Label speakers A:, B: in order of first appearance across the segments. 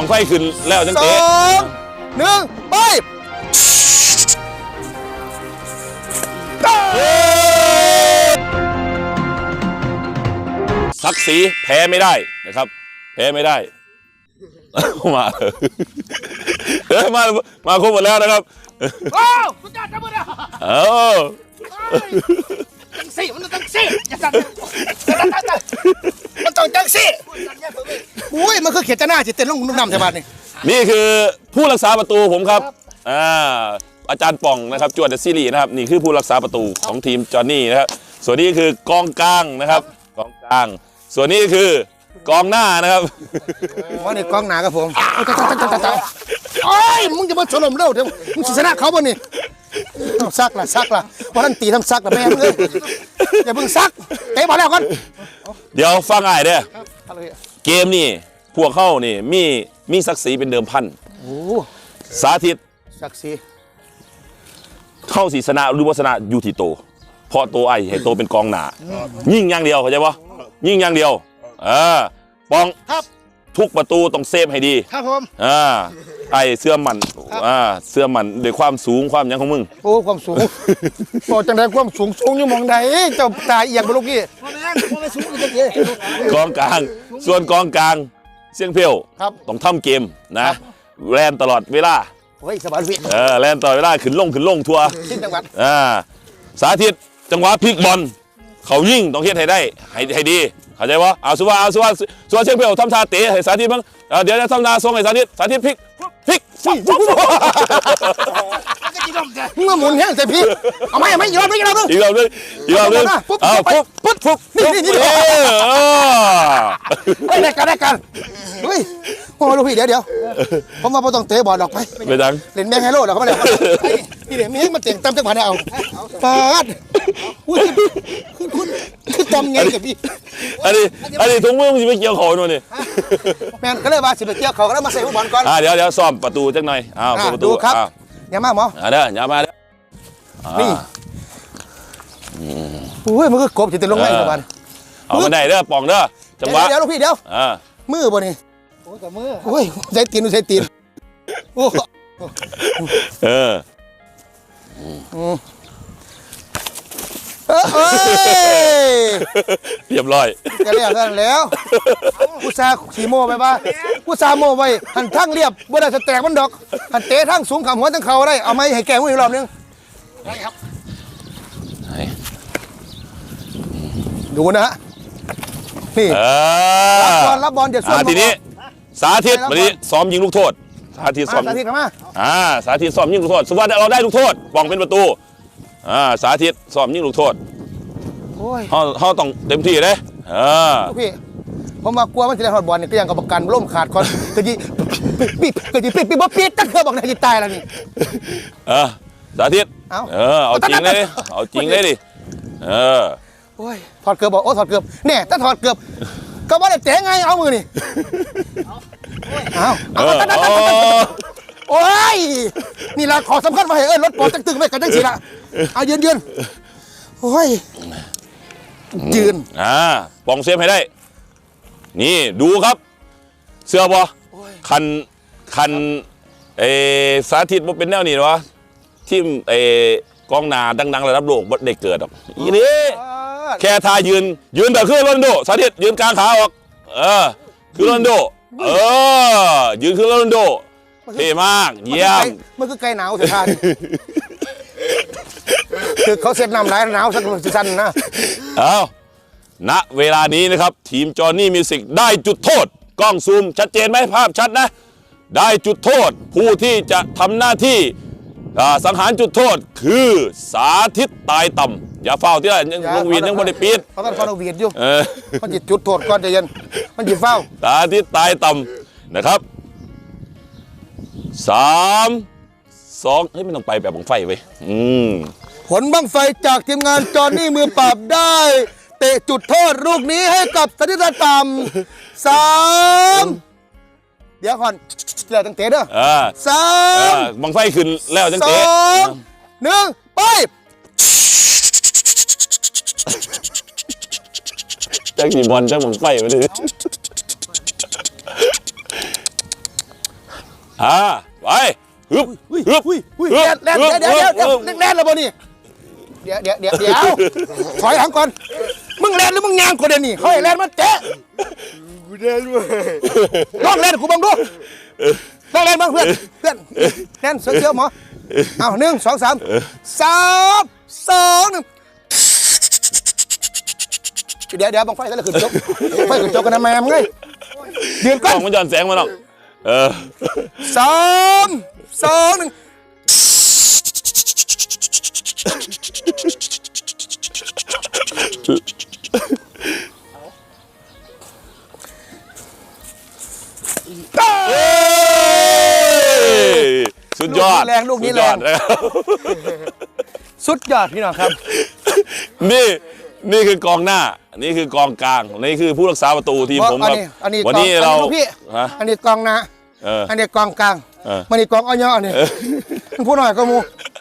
A: บังไฟขึ้นแล้วจังเตะ
B: 2 1ไป
A: ศักดิ์ศรีแพ้ไม่ได้นะครับแพ้ไม่ได้มามาครบหมดแล้วนะครับ
B: โอ้สุดยอดจังเลยจังซี่มันต้องจังซี่มันต้องจังซี่อุ้ยมันคือเขียนจะหน้าจิตเต้นลงนุ่มน้ำใช่ไหม
A: นี่คือผู้รักษาประตูผมครับอาจารย์ป่องนะครับจวดเดอะซีรีส์นะครับนี่คือผู้รักษาประตูของทีมจอห์นนี่นะครับส่วนนี้คือกองกลางนะครับกองกลางส่วนนี้คือกองหน้านะครับ
B: ว่านี่กองหนาครับผมโอ้ยมึงจะมาชนมเร็วเดี๋ยวมึงชนะเขาบ่นี่ซักล่ะเพราะนั่นตีทำซักล่ะแม่มึงเลยอย่าเพิ่งซักเตะบอลแล้วก่อน
A: เดี๋ยวฟังง่ายเด้อเกมนี่พวกเข้านี่มีศักดิ์ศรีเป็นเดิมพันสาธิต
B: ศักดิ์ศรี
A: เข้าศีสนาหรือวัฒนะอยู่ที่โตเพราะโตไอ้ให้โตเป็นกองหนายิ่งอย่างเดียวเข้าใจปะยิ่งอย่างเดียวปองทุกประตูต้องเซฟให้ดี
B: ครับผม
A: ไอ้เสื้อมันเสื้อมันด้วยความสูงความยังของมึง
B: โอ้ความสูงโอ้จังไดความสูงอยู่มองใดเจ้าตาเอียงบ่ลูกพี่ไม่สูงจังเด้
A: กองกลางส่วนกองกลางเสียงเพียวต้องทำเกมนะแลนตลอดเวลา
B: เฮ้ยสบายพี่
A: แลนตลอดเวลาขึ้นลงทัวร์
B: จังหวัด
A: สาธิตจังหวะพลิกบอลเขายิ่งต้องเฮ็ดให้ได้ให้ดีเข้าใจวะเอาสุวาเชียงเพียวทำท่าเตะให้สาธิตบ้างเดี๋ยวจะทำท่าส่งให้สาธิตพลิก
B: มึงมาหมุนแห้งใส่พี่เอาไหมอีกรอบนึง
A: ปุ๊บ
B: นี่ได้กันเฮ้ยโอ้ลูกพี่เดี๋ยวผมมาต้องเตะบอลออกไป
A: ดัง
B: เล่นแบงค์ไฮโลหรอกเขาไม่ได้นี่เดี๋ยวมีให้มันเตะตั้มจังหวะเนี่ยเอาปาดคุณจำไงกับพี่
A: อันนี้ถุงมือมึงจะไปเกี่ยวเขาหน่อยนี่
B: แมนก็เลยว่าสิไปเกี่ยวเขาก็แล้วมาใส่บอลก่อน
A: เดี๋ยวซ้อมประตูจังหน่อยประตู
B: ครับอย่ามาหมอ
A: เด้ออย่ามาเด้อ
B: นี่โอ้ยมันก็กบจิตลงไงบอล
A: เอามาได้เด้อป่องเด้อจังหวะ
B: เดี๋ยวลูกพี่เดี๋ยวมือบ่นี่โอ้กับมือโอ้ยใช้ตีนโอ้
A: เรียบร้อย
B: จะเรียบแล้วกูซาขี่โม่ไปป่ะกูซาโม่ไปหันทั้งเรียบบ่ได้จะแตกมันดอกหันเตะทั้งสูงขำหัวทั้งเข่าได้เอาไม้ให้แกมืออีกรอบนึงได้ครับดูนะฮะนี่รับบอลเดี๋ยวส่วน
A: ทีนี้สาธิตวันนี้ซ้อมยิงลูกโทษสาธิตซ้อม
B: กันมา
A: สาธิตซ้อมยิงลูกโทษสมมติเราได้ลูกโทษป้องเป็นประตูสาธิตซ้อมยิงลูกโทษเขาต้องเต็มที่เลย
B: พี่ผมมากลัวมันจะได้ฮอดบอลเนี่ยก็ยังกับประกันล่มขาดคอนกระยิปีบ่ปีตั้งเธอบอกนายจะตายแล้วนี่
A: สาธิตเอาจริงเลยดิ
B: โอ้ยถอดเกือบบอกถอดเกือบเนี่ยถ้าถอดเกือบก็ว่าได้เตะไงเอามือนี่โอ้ยนี่ละขอสำคัญมาให้รถปอดจังตึงไม่กันจังสิละเอายืนโอ้ยยืน
A: ปองเซฟให้ได้นี่ดูครับเสื้อบอคันสาธิตมันเป็นแนวนี้วะที่กองนาดังๆระดับโลกได้เกิดหรอกอีนี่แค่ทายืนแบบคือโรนัลโดสาธิตยืนกลางขาออกคือโรนัลโดยืนคือโรนัลโดเท่มากเยี่ยม
B: มันคือไก่หนาวสุดท้ายคือเขาเซ็ตน้ำไหลหนาวสักสั้นนะ
A: ณเวลานี้นะครับทีมจอห์นนี่มิวสิกได้จุดโทษกล้องซูมชัดเจนไหมภาพชัดนะได้จุดโทษผู้ที่จะทำหน้าที่สังหารจุดโทษคือสาธิตตายต่ำอย่าเฝ้าที่ละลงวีนยังไม่ได้ปิด
B: เขาต้องฟังลงวีนอยู่มันหยิบจุดโทษก่อนใจเย็นมันหยิบเฝ้า
A: สาธิตตายต่ำนะครับ3 2ไม่ต้องไปแบบบังไฟไว้
B: ผลบังไฟจากทีมงานจอห์นนี่มือปราบได้เตะจุดโทษลูกนี้ให้กับสาธิตต่ำ3เดี๋ยวก่อนเดี๋ยวตั้งเตะเด้อ
A: บังไฟขึ้นแล้วตั้งเตะ
B: 1ไป
A: จักกี่บอลจักบังไฟมาดิไปฮึบฮึบ
B: เดี๋ยวแล่นแล้วบ่นี่เดี๋ยวถอยหลังก่อนมึงแล่นหรือมึงยางกูเดี๋ยวนี้เขาให้แล่นมันเตะ
C: กูเดินมา
B: ลองแล่นกูบังดูลองแล่นบ้างเพื่อนแล่นเสือหมอเอา1 2 3 3 2 1เดี๋ยวบังไฟแล้วขึ้นจบไฟขึ้นจบกันนะแม่มึงไงยืน
A: กล้
B: ก่อ
A: อน งมันย้อนแสงมาหรอก
B: 3 2 1
A: สุดยอด
B: ลูกนี้แรงสุดยอดพี่น้องครับ
A: นี่คือกองหน้า นี่คือกองกลาง นี่คือผู้รักษาประตูทีมผมครับ วันนี้เรา
B: อันนี้กองหน้าอันนี้กองกลาง มันนี่กองอ้อยนี่พูดหน่อยก็มู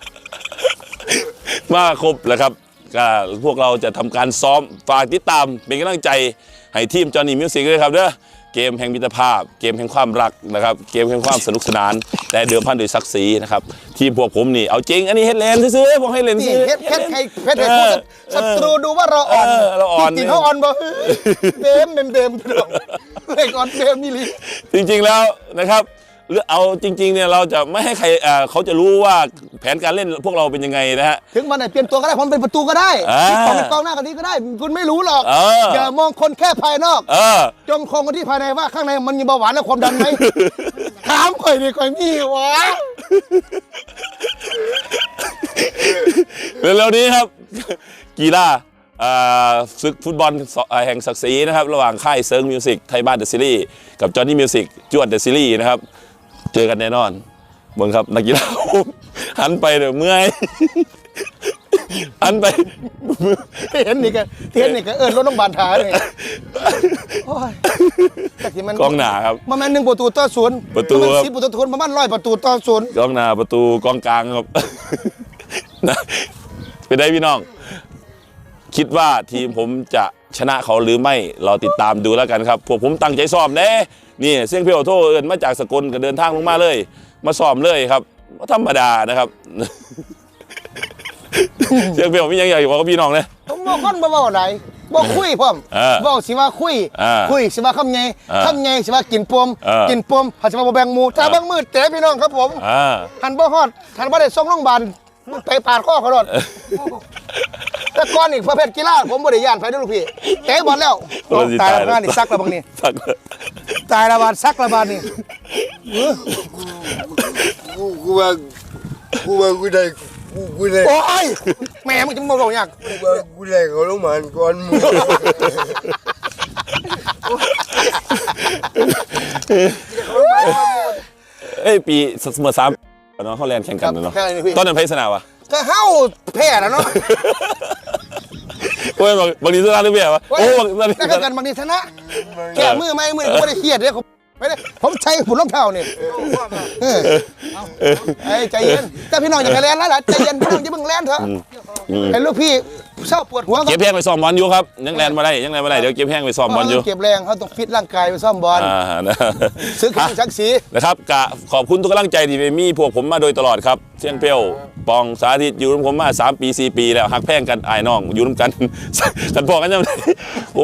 A: มาครบแล้วครับก็พวกเราจะทำการซ้อมฝากติดตามเป็นกำลังใจให้ทีมจอห์นนี่มิวสิกด้วยครับเด้อเกมแห่งมิตรภาพเกมแห่งความรักนะครับเกมแห่งความสนุกสนานแต่เดิมพันด้วยศักดิ์ศรีนะครับทีมพวกผมนี่เอาจริงอันนี้เฮ็ดเลนซื้อๆผมให้เลนซื้อ
B: เพชรให้ศัตรูดูว่าเราอ่อน
A: เราอ่อน
B: จริงเขาอ่อนบ่เบมพี่น้องเล็กอ่อนเบมนี่ลิ
A: จริงๆแล้วนะครับเอาจริงๆเนี่ยเราจะไม่ให้ใครเขาจะรู้ว่าแผนการเล่นพวกเราเป็นยังไงนะฮะ
B: ถึงมันไหนเปลี่ยนตัวก็ได้ผมเป็นประตูก็ได้เป็นกองหน้ากันนี้ก็ได้คุณไม่รู้หรอกอย่ามองคนแค่ภายนอกจงคงกันที่ภายในว่าข้างในมันมีเบาหวานและความดันไหมถามข่อยดิข่อยมีวะ
A: เร็วๆนี้ครับกีฬาศึกฟุตบอลแห่งศักดิ์ศรีนะครับระหว่างค่ายเซิร์งมิวสิกไทยบ้านเดอะซีรีส์กับจอห์นนี่มิวสิกจวดเดอะซีรีส์นะครับเจอกันแน่นอนเบิ่งครับนักกีฬาหันไปเดี๋ยวเมื่อยหันไป
B: เห็นนี่ก็รถน้องบานท้าเลย
A: กองหน้าครับ
B: มัน1 ประตูต่อ 0
A: ประตูครับ
B: 10 ประตูต่อ 0ประมาณ100 ประตูต่อ 0
A: กองหน้าประตูกองกลางครับนะไปได้พี่น้องคิดว่าทีมผมจะชนะเขาหรือไม่เราติดตามดูแล้วกันครับพวกผมตั้งใจซ้อมเด้นี่เสียงเพียวโทเอิญมาจากสกลก็เดินทางลงมาเลยมาซ้อมเลยครับธรรมดานะครับ เสียงเพียวมีอย่างใหญ่กว่าพี่น้องเลย
B: ผมบอกคนบ่เว้าไหนบ่คุยพร้อมเว้าสิว่าคุยสิว่าคำใหญ่สิว่ากินปมหาสิว่าบ่แบ่งหมู่ถ้าบางมือเตะพี่น้องครับผมหันบ่ฮอดหันบ่ได้ส่งโรงพยาบาลไปปาดข้อเขาโดนแต่ก่อนอีกประเภทกีฬาผมบ่ได้ย่านไฟเด้อลูกพี่เตะบอลแล้วตายแล้วงานนี่ซักแล้วบางนี่ตายละบาดซักละบาดนี่
C: กูว่ากูได้
B: โอ้ยแม่มึงจะมาบอกอยาก
C: กูได้เขาลงมาก่อนมึง
A: ปีเสมอ3เนาะเขาแลนแข่งกันเนาะตอนนั้นเพชรสนาวะ
B: ก็เฮ้าแพ้แล้วเนาะ
A: โอ้ยบางทีชนะหรือเปล่าวะโอ้
B: บางทีกันบางทีชนะแค่มือไม่ผมไม่ได้เครียดเลยไม่ได้ผมใช้หุ่นรองเท้านี่ใจเย็นแต่พี่น้องอย่าแลนแล้วล่ะใจเย็นพี่น้องอย่าเพิ่งแลนเถอะไอ้ลูกพี่เศร้าปวดหัว
A: เก็บแห้งไปซ้อมบอลอยู่ครับยังแลนมาได้เดี๋ยวเก็บแห้งไปซ้อมบอลอยู่
B: เก็บแรงเขาต้องฟิตร่างกายไปซ้อมบอลซื้อขึ้นชักสี
A: นะครับขอบคุณทุกกำลังใจที่มีพวกผมมาโดยตลอดครับเชียงเปี้ยวปองสาธิตอยู่กับผมมา3 ปี 4 ปีแล้วหักแพงกันไอ้น้องอยู่ร่วมกันกันพอกันยังไงผม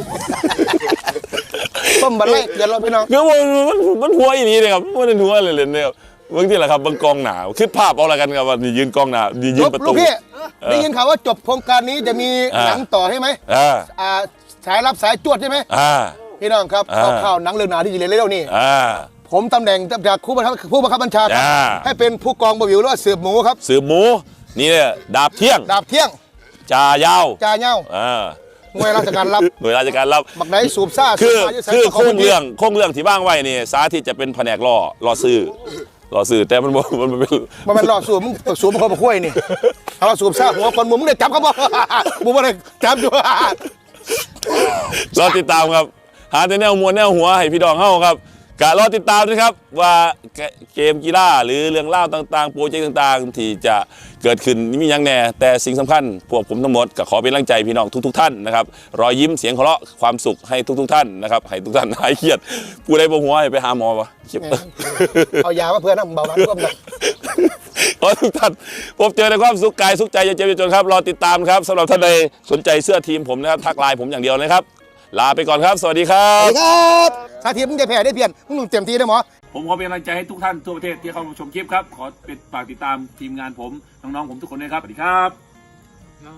B: ต้มบัลเล่เดี๋ยวเราพี่น้อง
A: คือมันหัวอย่างนี้เลยครับมันเป็นหัวเลยเนี่ยบางทีแหละครับบางกองหนาคิดภาพเอาอะไรกันครับว่ายืนกองหนายืนประตู
B: พี่ได้ยินข่าวว่าจบโครงการนี้จะมีหนังต่อใช่ไหมสายรับสายจวดใช่ไหมพี่น้องครับข่าวหนังเรื่องหนาที่จะเล่นเร็วนี่ผมตำแหน่งจากผู้บังคับบัญชาให้เป็นผู้กองบวิวหรือว่าสืบหมูครับ
A: สืบหมูนี่เนี่ยดาบเที่ยงจ่ายาว
B: หน่วยราชการรับบักไหนสูบซ่า
A: คือโค้งเรื่องที่บ้างไว้นี่สาธิตจะเป็นแผนกรอซื้อแต่มัน
B: เป็นรอสูบมึงสูบมันคนมาคุยนี่เราสูบซ่าหัวคนมึงได้จับเขาบ่มึงไม่ได้จับอยู่
A: รอติดตามครับหาแต่แนวมวลแนวหัวให้พี่ดองเฮาครับกะรอติดตามนะครับว่าเกมกีฬาหรือเรื่องเล่าต่างๆโปรเจกต์ต่างๆ ที่จะเกิดขึ้นมีอย่างแน่แต่สิ่งสำคัญพวกผมทั้งหมดก็ขอเป็นกำลังใจพี่น้องทุกๆท่านนะครับรอยยิ้มเสียงหัวเราะความสุขให้ทุกๆท่านนะครับให้ทุกท่านหายเครียดผู้ใดบ่หัวให้ไปหาหมอวะ
B: เอายามาเพื่อนนะเบาหวานร่วมกัน
A: ขอทุกท่านพบเจอในความสุขกายสุขใจอย่าเจ็บอย่าจนครับรอติดตามครับสำหรับท่านใดสนใจเสื้อทีมผมนะครับทักไลน์ผมอย่างเดียวนะครับลาไปก่อนครับสวัสดีครั
B: สวั
A: บ
B: สดีครับสาธิตมึงจะแพ้ได้เพียนมึงเต็มที่ได้หมอ
D: ผมขอเป็นกำลังใจให้ทุกท่านทั่วประเทศที่เข้ามาชมคลิปครับ ขอฝากติดตามทีมงานผม น้องๆผมทุกคนด้วยครับ สวัสดีครับ